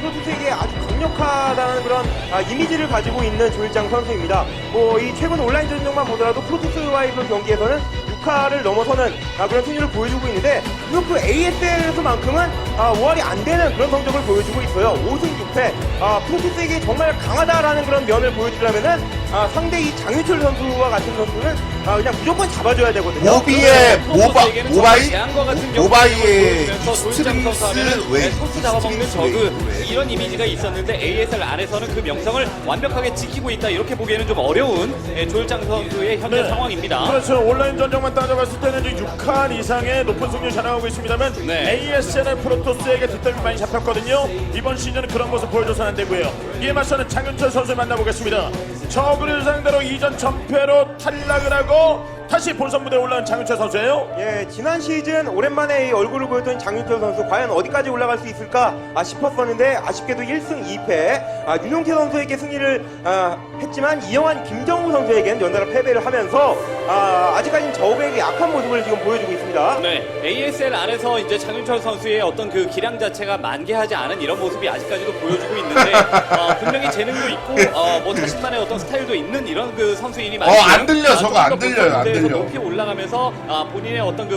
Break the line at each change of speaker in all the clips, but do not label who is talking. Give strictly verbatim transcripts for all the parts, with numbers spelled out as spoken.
프로토스에게 아주 강력하다는 그런 아, 이미지를 가지고 있는 조일장 선수입니다. 뭐 이 최근 온라인 전적만 보더라도 프로토스와의 그 경기에서는 육 화를 넘어서는 아, 그런 승률을 보여주고 있는데 비록 그 에이에스엘에서만큼은 아, 오 할이 안 되는 그런 성적을 보여주고 있어요. 오 승 육 패. 아, 프로토스에게 정말 강하다라는 그런 면을 보여주려면은 아, 상대 이 장윤철 선수와 같은 선수는 아, 그냥 무조건 잡아줘야 되거든요.
모비의 모바 모바이
제한과 같은 경우
모바이의
조일장 선수 하면은
웨이
토스 잡아먹는 저그 이런 이미지가 있었는데 에이에스엘 안에서는 그 명성을 완벽하게 지키고 있다 이렇게 보기에는 좀 어려운 예, 조일장 선수의 현재
네.
상황입니다.
그렇죠. 온라인 전적만 따져봤을 때는 이제 육 칸 이상의 높은 승률 자랑하고 있습니다만
네.
에이에스엘 프로토스에게 뒷담이 많이 잡혔거든요. 이번 시즌은 그런 모습 보여줘서는 안 되고요. 이에 맞서는 장윤철 선수 만나보겠습니다. 저그를 상대로 이전 전패로 탈락을 하고 다시 본선 무대에 올라온 장윤철 선수예요.
예, 지난 시즌 오랜만에 이 얼굴을 보였던 장윤철 선수 과연 어디까지 올라갈 수 있을까 아, 싶었었는데 아쉽게도 일 승 이 패. 아, 윤용태 선수에게 승리를 아, 했지만 이영환, 김정우 선수에게는 연달아 패배를 하면서 아, 아직까지는 저우에게 약한 모습을 지금 보여주고 있습니다.
네, 에이에스엘 안에서 이제 장윤철 선수의 어떤 그 기량 자체가 만개하지 않은 이런 모습이 아직까지도 보여주고 있는데 어, 분명히 재능도 있고 어, 뭐 자신만의 어떤 스타일도 있는 이런 그 선수이니
어, 안 들려, 저거 안 들려요, 안 들려.
높이 올라가면서 아, 본인의 어떤 그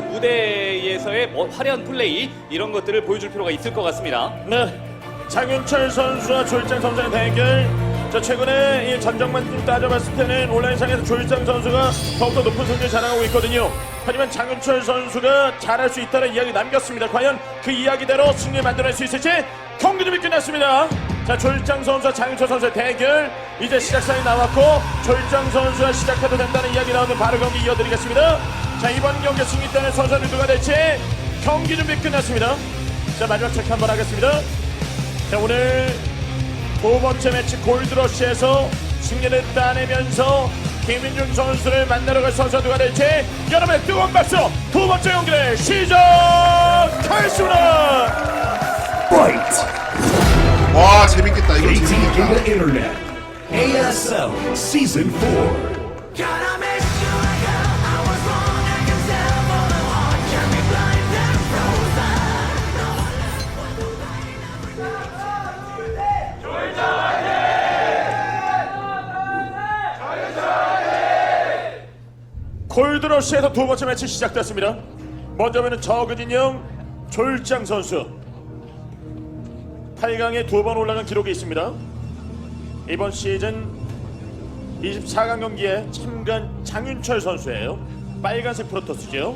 무대에서의 뭐 화려한 플레이 이런 것들을 보여줄 필요가 있을 것 같습니다.
네. 장윤철 선수와 조일장 선수의 대결. 자, 최근에 이 전적만 좀 따져봤을 때는 온라인상에서 조일장 선수가 더욱더 높은 승리를 자랑하고 있거든요. 하지만 장윤철 선수가 잘할 수 있다는 이야기 남겼습니다. 과연 그 이야기대로 승리 만들어낼 수 있을지 경기 준비 끝났습니다. 자, 조일장 선수와 장윤철 선수의 대결 이제 시작사이 나왔고 조일장 선수와 시작해도 된다는 이야기 나오는 바로 경기 이어드리겠습니다. 자, 이번 경기 승리단의 선수는 누가 될지 경기 준비 끝났습니다. 자, 마지막 체크 한번 하겠습니다. 자, 오늘 두 번째 매치 골드러시에서 승리를 따내면서 김민중 선수를 만나러 갈 선수가 누가 될지 여러분의 뜨거운 박수 두 번째 경기를 시작하겠습니다.
Fight!
와 재밌겠다 이거
Dating in
재밌겠다.
the Internet. A S L Season four.
Gotta make sure I go. I was wrong, I can tell for the heart can be blind and
골드러시에서 두 번째 매치 시작됐습니다. 먼저 보는 저그진영 조일장 선수 팔 강에 두 번 올라간 기록이 있습니다. 이번 시즌 이십사 강 경기에 참가한 장윤철 선수예요. 빨간색 프로토스죠.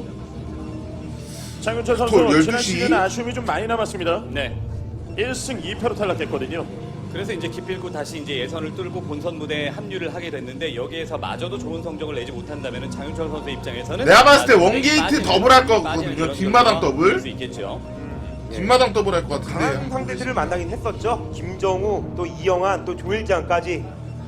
장윤철 선수
톨
지난
열두 시.
시즌 아쉬움이 좀 많이 남았습니다.
네.
일 승 이 패로 탈락했거든요.
그래서 이제 기필코 다시 이제 예선을 뚫고 본선 무대에 합류를 하게 됐는데 여기에서 마저도 좋은 성적을 내지 못한다면은 장윤철 선수 입장에서는
내가 봤을 때
아주
원게이트
빠지는,
더블 할
빠지는
거거든요.
그런
뒷마당
결과가
더블.
될 수 있겠죠.
뒷마당 더블 할 것
강한
같은데.
상대들을 만나긴 했었죠. 김정우, 또 이영환, 또 조일장까지.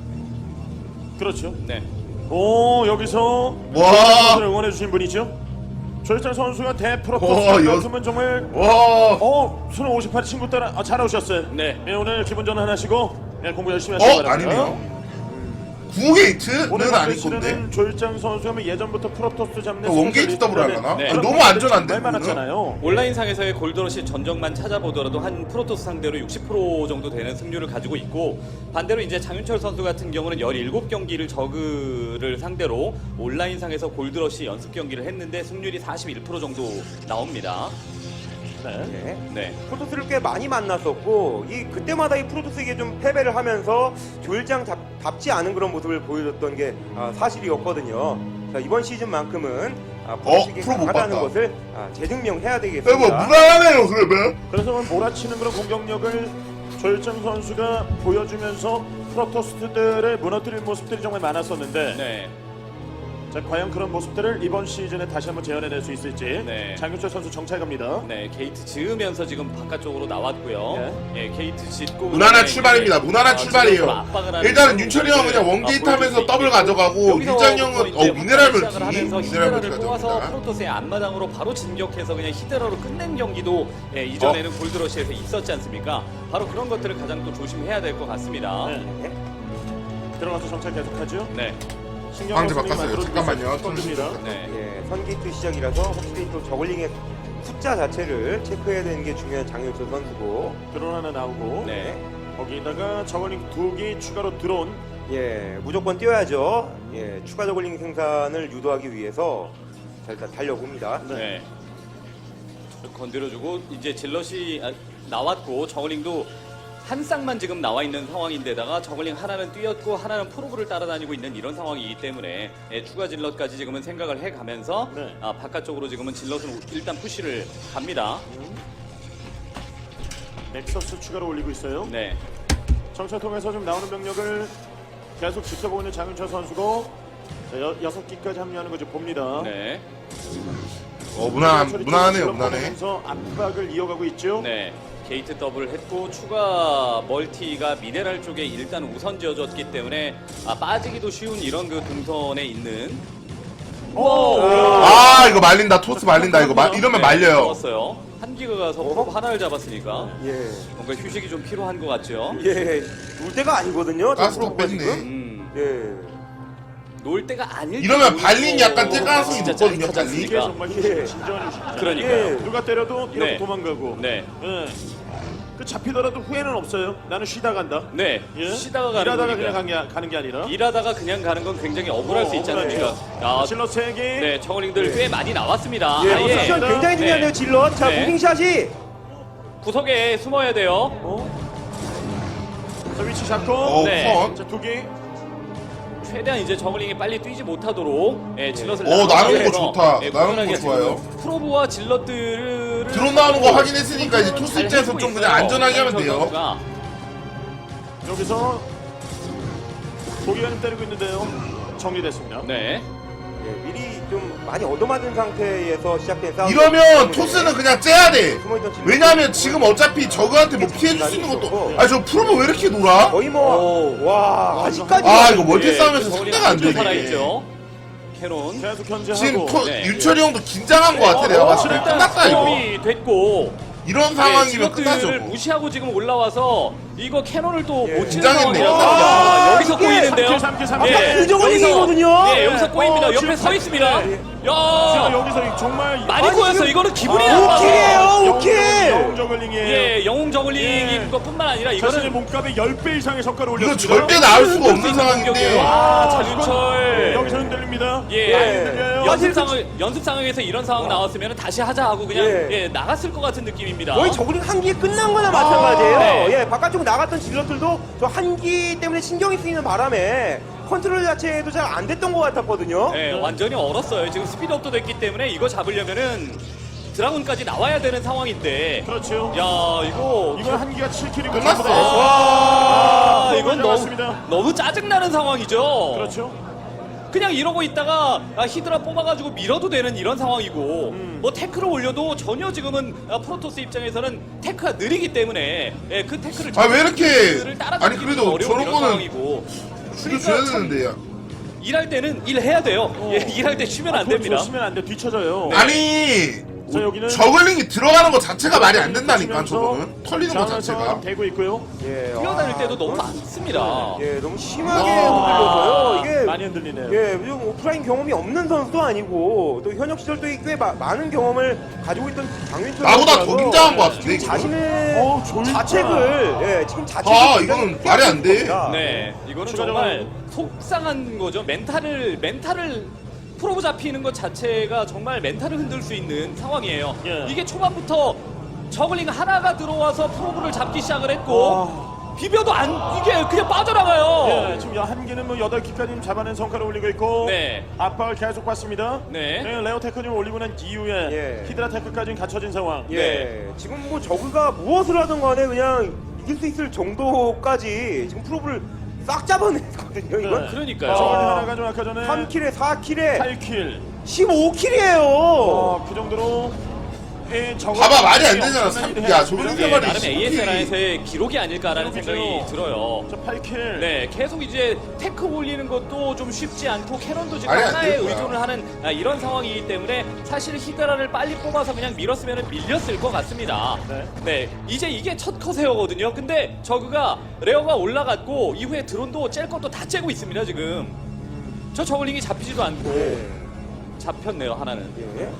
그렇죠.
네.
오, 여기서
와.
선수를 응원해 주신 분이죠. 조일장 선수가
와,
대프로토스만큼은 정말
와.
어, 수능 오십팔 친구 따라 아, 잘 오셨어요.
네.
예, 오늘 기분 전환 하시고 예, 공부 열심히 하시기
어
바랍니다.
아니네요. 구 게이트는
오늘
아닐
경기
건데.
치르는 조일장 선수하면 예전부터 프로토스 잡는
원게이트 더블 하려나?
네.
아니, 너무 안전한데.
말 많았잖아요.
온라인상에서의 골드러시 전적만 찾아보더라도 한 프로토스 상대로 육십 퍼센트 정도 되는 승률을 가지고 있고 반대로 이제 장윤철 선수 같은 경우는 열일곱 경기를 저그를 상대로 온라인상에서 골드러시 연습 경기를 했는데 승률이 사십일 퍼센트 정도 나옵니다.
네.
네.
네.
프로토스를 꽤 많이 만났었고 이 그때마다 이 프로토스에게 좀 패배를 하면서 조일장 답, 답지 않은 그런 모습을 보여줬던 게 아, 사실이었거든요. 자, 이번 시즌만큼은 아, 프로토스에게
프로 못
강하다는
봤다.
것을 아, 재증명해야
뭐
되겠습니다.
무난하네요 그러면.
그래서 오늘 몰아치는 그런 공격력을 조일장 선수가 보여주면서 프로토스들을 무너뜨릴 모습들이 정말 많았었는데
네.
자, 과연 그런 모습들을 이번 시즌에 다시 한번 재현해낼 수 있을지
네.
장윤철 선수 정찰 갑니다.
네, 게이트 지으면서 지금 바깥쪽으로 나왔고요. 예, 게이트 짓고
무난한
그다음에
출발입니다.
이제,
무난한
어,
출발이에요.
지금부터 압박을 하는
일단은
그런
윤철이 형은 그냥
모습을,
원게이트
어,
하면서
보여줄 수
더블
있고,
가져가고
여기서
일장 형은
이제
어 미네랄
시작을
멀티
하면서
미네랄 멀티
히드라를 뽑아서
가져갑니다.
프로토스의 앞마당으로 바로 진격해서 그냥 히드라로 끝낸 경기도 예, 이전에는
어.
골드러시에서 있었지 않습니까? 바로 그런 것들을 가장 또 조심해야 될 것 같습니다.
네.
네.
들어가서 정찰 계속하죠.
네.
신경
방제
쓰는
바꿨어요.
만들어주고
잠깐만요.
있어요. 던집니다.
네.
예, 선기트 시작이라서 확실히 또 저글링의 숫자 자체를 체크해야 되는 게 중요한 장윤철 선수고.
드론 하나 나오고
네.
거기다가 저걸링 두 개 추가로 드론.
예, 무조건 뛰어야죠. 예, 추가 저글링 생산을 유도하기 위해서 자, 일단 달려봅니다.
네. 건드려주고 이제 질럿이 아, 나왔고 저글링도 한 쌍만 지금 나와 있는 상황인데다가 저글링 하나는 뛰었고 하나는 프로브를 따라다니고 있는 이런 상황이기 때문에 예, 추가 질럿까지 지금은 생각을 해가면서
네.
아, 바깥쪽으로 지금은 질럿은 일단 푸시를 갑니다.
넥서스 추가로 올리고 있어요.
네.
정찰 통해서 좀 나오는 병력을 계속 지켜보고 있는 장윤철 선수고 자, 여, 여섯 기까지 합류하는 거 좀 봅니다.
네.
어 무난
처리
무난하네요
쪽으로
무난해.
보내면서 압박을 이어가고 있죠.
네. 게이트 더블 했고 추가 멀티가 미네랄 쪽에 일단 우선 지어졌기 때문에 아, 빠지기도 쉬운 이런 그 동선에 있는
오!
아 이거 말린다 토스 말린다 이거 마, 이러면 말려요.
잡았어요. 한기가 가서 프로브 하나를 잡았으니까
예,
뭔가 휴식이 좀 필요한 것 같죠.
예, 놀 때가 아니거든요. 저
가스 다
프로브가
뺐네.
지금.
음,
예.
놀 때가 아닐
이러면
때
발린이
놀고
약간 뛸 가능성이
진짜
높거든요,
짜릿하지
발린.
이게
않습니까?
정말
예.
휴식, 진정한 휴식이죠.
그러니까요.
예.
누가 때려도 이렇게
네.
도망가고.
네.
예. 그 잡히더라도 후회는 없어요. 나는 쉬다 간다.
네.
예?
쉬다가 가는
일하다가
거니까.
그냥 가는 게, 가는 게 아니라.
일하다가 그냥 가는 건 굉장히 억울할
어,
수 있지
억울하죠.
않습니까? 아,
질러 세 개.
네, 저글링들 꽤 많이 나왔습니다.
예,
아예
포지션 굉장히 중요한데요,
네.
질럿. 자,
네.
무빙샷이.
구석에 숨어야 돼요.
어? 자, 위치 잡고.
어
네.
우선.
자, 두 개.
최대한 이제 저글링이 빨리 뛰지 못하도록 예, 질럿을
어,
나눠서
나누는 거
해서,
좋다.
예,
나누는
꾸준하게
거 좋아요.
지금 프로브와 질럿들을
드론 나오는 거 확인했으니까 이제 토스
잘
입장에서
해주고
좀
있어요.
그냥 안전하게 하면
장윤철
돼요.
선수가.
여기서 고기가님 때리고 있는데요. 정리됐습니다.
네.
예, 미리 좀 많이 얻어맞은 상태에서 시작된 싸움.
이러면 토스는 그냥 째야 돼.
숨어있던 질럿.
왜냐면 지금 어차피 저그한테 뭐 피해줄 수 있는 것도. 아 저 프로브 왜 이렇게 놀아?
거의 뭐, 와, 아직까지.
아 이거 멀티
예,
싸움에서
저글링
상대가 안
아주
되네.
살아있죠. 캐논.
계속 견제하고.
지금 토,
네.
윤철이 형도 긴장한 것 같아 내가 봤을 때. 끝났다 이거.
스톱이 됐고
이런 상황이면 끝나죠.
질럿들을
뭐.
무시하고 지금 올라와서 이거 캐논을 또
예.
못 치는
긴장했네요.
상황이라서
아,
야, 여기서
이게
꼬이는데요.
삼 킬, 삼 킬,
예.
삼 킬.
그 저글링이거든요.
예, 여기서 꼬입니다.
어,
옆에
지금
서 있습니다.
네.
야,
자, 여기서 정말
많이
아니,
꼬였어.
지금-
이거는 기분이
아,
나빠서.
오킬이에요, 오킬.
영웅 저글링이에요.
예, 영웅 저글링인
예.
것뿐만 아니라
자신의
이거는
몸값의 십 배 이상의 성과를
이거
올렸습니다.
절대 나올 수가 없는
공격이에요.
상황인데.
아,
이건-
장윤철.
여기서 흔들립니다.
예.
많이 흔들려요.
연습 상황 연습 상황에서 이런 상황 나왔으면 다시 하자 하고 그냥
예.
예, 나갔을 것 같은 느낌입니다.
거의 저글링 한기 끝난 거나 마찬가지예요.
네.
예, 바깥쪽 나갔던 질럿들도 저 한기 때문에 신경이 쓰이는 바람에 컨트롤 자체도 잘 안 됐던 것 같았거든요.
예, 완전히 얼었어요. 지금 스피드업도 됐기 때문에 이거 잡으려면은 드라군까지 나와야 되는 상황인데.
그렇죠.
야, 이거
이건 한기가 칠 킬이고
끝났어.
아,
아,
이건 너무
잡았습니다.
너무 짜증나는 상황이죠.
그렇죠.
그냥 이러고 있다가 아, 히드라 뽑아가지고 밀어도 되는 이런 상황이고
음.
뭐 태클을 올려도 전혀 지금은 아, 프로토스 입장에서는 태크가 느리기 때문에 예, 그 태클을
아, 왜 이렇게-
태클을 따라잡기
아니, 그래도
어려운
저런
이런
거는
상황이고
죽여줘야
그러니까 참
되는데.
일할 때는 일해야 돼요. 예, 일할 때 쉬면 안 됩니다.
쉬면 안 돼. 뒤쳐져요.
네.
아니
자, 여기는
저글링이 들어가는 거 자체가 말이 안 된다니까
치면서
저거는 털리는 거
자원을
자체가.
되고 있고요.
예,
뛰어다닐
아,
때도 너무 많습니다.
예, 너무 심하게
와.
흔들려서요. 이게
많이 흔들리네요.
예, 좀 오프라인 경험이 없는 선수도 아니고 또 현역 시절도 꽤 마- 많은 경험을 가지고 있던 장윤철
나보다
선수라서
더 긴장한 것 같은데,
지금
이거?
자신의
어, 졸다.
자책을 예, 지금 자책을
아,
굉장히
이거는 말이 안 돼.
겁니다.
네, 이거는
추가적으로
정말 속상한 거죠. 멘탈을 멘탈을 프로브 잡히는 것 자체가 정말 멘탈을 흔들 수 있는 상황이에요.
예.
이게 초반부터 저글링 하나가 들어와서 프로브를 잡기 시작을 했고 비벼도 안 이게 그냥 빠져나가요.
예, 지금 한기는 뭐 여덟 기까지 잡아낸 성과를 올리고 있고
네.
압박을 계속 받습니다.
네.
레오 테크를 올리고 난 이후에
예.
히드라 테크까지는 갖춰진 상황.
예,
네.
지금 뭐 저그가 무엇을 하든 간에 그냥 이길 수 있을 정도까지 지금 프로브를 싹 잡아냈거든요. 이건
네.
그러니까요.
저걸
아.
하나가 좀 아까 전에
삼 킬에 사 킬에
팔 킬.
십오 킬이에요.
어, 그 정도로 예, 저거
봐봐, 말이 안 되잖아.
엄청난 일을
야,
해줬습니다.
저걸
예,
생각이
나름
십오
에이에스엘에서의 기록이 아닐까라는 생각이
기록이죠.
들어요.
저 팔 킬.
네, 계속 이제 테크 올리는 것도 좀 쉽지 않고 캐논도 지금
말이 안
하나에
되는 거야.
의존을 하는 아, 이런 상황이기 때문에 사실 히드라를 빨리 뽑아서 그냥 밀었으면 밀렸을 것 같습니다.
네.
네, 이제 이게 첫 컷에어거든요. 근데 저그가 레어가 올라갔고 이후에 드론도 짤 것도 다 째고 있습니다 지금. 저 저글링이 잡히지도 않고
예.
잡혔네요 하나는.
예.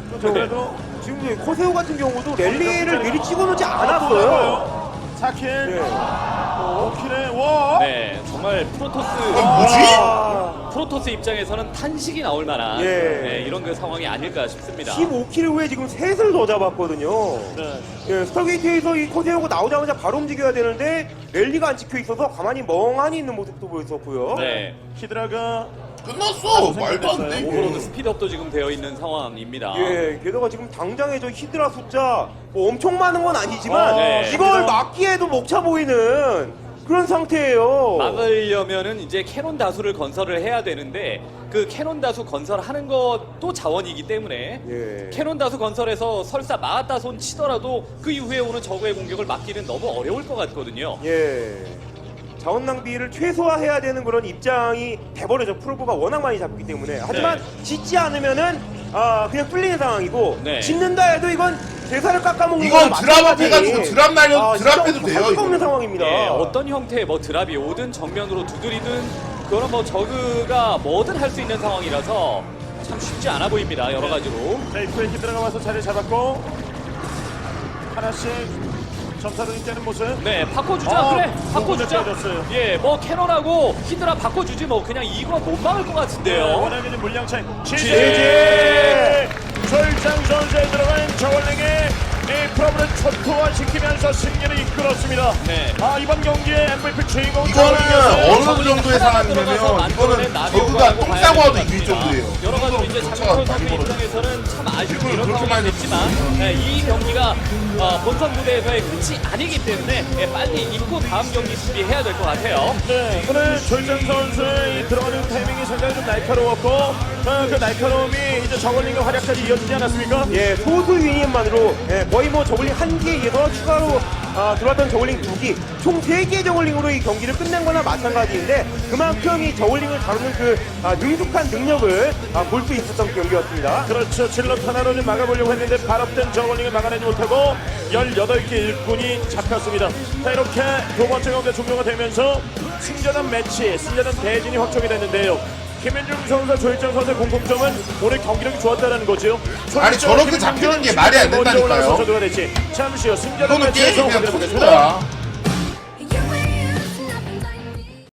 저,
그래도
지금 코세오 같은 경우도 랠리를 미리 찍어놓지 않았어요.
사 킬.
예.
오 킬에 와.
네, 정말 프로토스
아, 뭐지?
아,
프로토스 입장에서는 탄식이 나올 만한
예.
네, 이런 그 상황이 아닐까 싶습니다.
십오 킬 후에 지금 셋을 더 잡았거든요.
네.
예, 스타게이트에서 이 코세오가 나오자마자 바로 움직여야 되는데 랠리가 안 찍혀 있어서 가만히 멍하니 있는 모습도 보였었고요.
네,
히드라가
끝났어. 말도 안 돼.
오버로드
이게.
스피드업도 지금 되어 있는 상황입니다.
예, 게다가 지금 당장에 저 히드라 숫자 뭐 엄청 많은 건 아니지만
어,
네.
이걸 막기에도 먹차 보이는 그런 상태예요.
막으려면은 이제 캐논 다수를 건설을 해야 되는데 그 캐논 다수 건설하는 것도 자원이기 때문에
예.
캐논 다수 건설해서 설사 막았다 손 치더라도 그 이후에 오는 적의 공격을 막기는 너무 어려울 것 같거든요.
예. 자원 낭비를 최소화해야 되는 그런 입장이 돼버려져. 프로브가 워낙 많이 잡기 때문에. 하지만 짓지 않으면은 아 그냥 뚫리는 상황이고
네.
짓는다 해도 이건 대사를 깎아먹는
이건
거랑
드랍업
마찬가지.
해가지고 드랍 날려
아,
드랍
진짜
해도 돼요.
할 수가 없는
이거.
상황입니다.
예, 어떤 형태의 뭐 드랍이 오든 정면으로 두드리든 그거는 뭐 저그가 뭐든 할 수 있는 상황이라서 참 쉽지 않아 보입니다. 여러 가지로.
자, 입구에 히드라가 와서 자리 잡았고 하나씩 점사를 떼는 모습.
네, 바꿔주자.
아,
그래, 바꿔주자.
잘렸어요.
예, 뭐 캐논하고 히드라 바꿔주지 뭐 그냥 이거 못 막을 것
네,
같은데요.
워낙에 좀 물량 차이.
지지!
지지! 졸장 선수에 들어간 저원링의 이 프로브를 초토화시키면서 승리를 이끌었습니다.
네.
아, 이번 경기의 엠브이피 주인공
이거는
저원링이었어요.
어느 정도의 상황이냐면 이거는 저그가 똥 싸고 와도 이길 정도예요.
여러 가지로 이제 장민철 선수 입장에서는 참 아쉬운 이런 상황이 됐지만 네, 이 경기가 어, 본선 무대에서의 끝이 아니기 때문에 예, 빨리 잊고 다음 경기 준비해야 될 것 같아요.
네, 오늘 졸장 선수의 이 들어가는 타이밍이 상당히 좀 날카로웠고 어, 그 날카로움이 이제 저걸링의 활약까지 이어지지 않았습니까?
예, 소수 유닛만으로 예, 거의 뭐 저글링 한 기에 의해서 추가로 아, 들어왔던 저글링 두 기, 총 세 개의 저글링으로 이 경기를 끝낸 거나 마찬가지인데 그만큼 이 저글링을 다루는 그 아, 능숙한 능력을 아, 볼 수 있었던 경기였습니다.
그렇죠. 질럿 하나로 좀 막아보려고 했는데 발업된 저걸링을 막아내지 못하고 열여덟 개 일꾼이 잡혔습니다. 자, 이렇게 두 번째 경기 종료가 되면서 승자전 매치, 승자전 대진이 확정이 됐는데요. 김현중 선수와 조일장 선수의 공통점은 오늘 경기력이 좋았다는 거죠.
아니, 저렇게 잡히는 게 말이 안 된다니까요.
먼저 올라가서 저도가 됐지. 잠시 후 승자전
이거는
매치에서
게임이 그냥
확인해
터진
보겠습니다.
거야.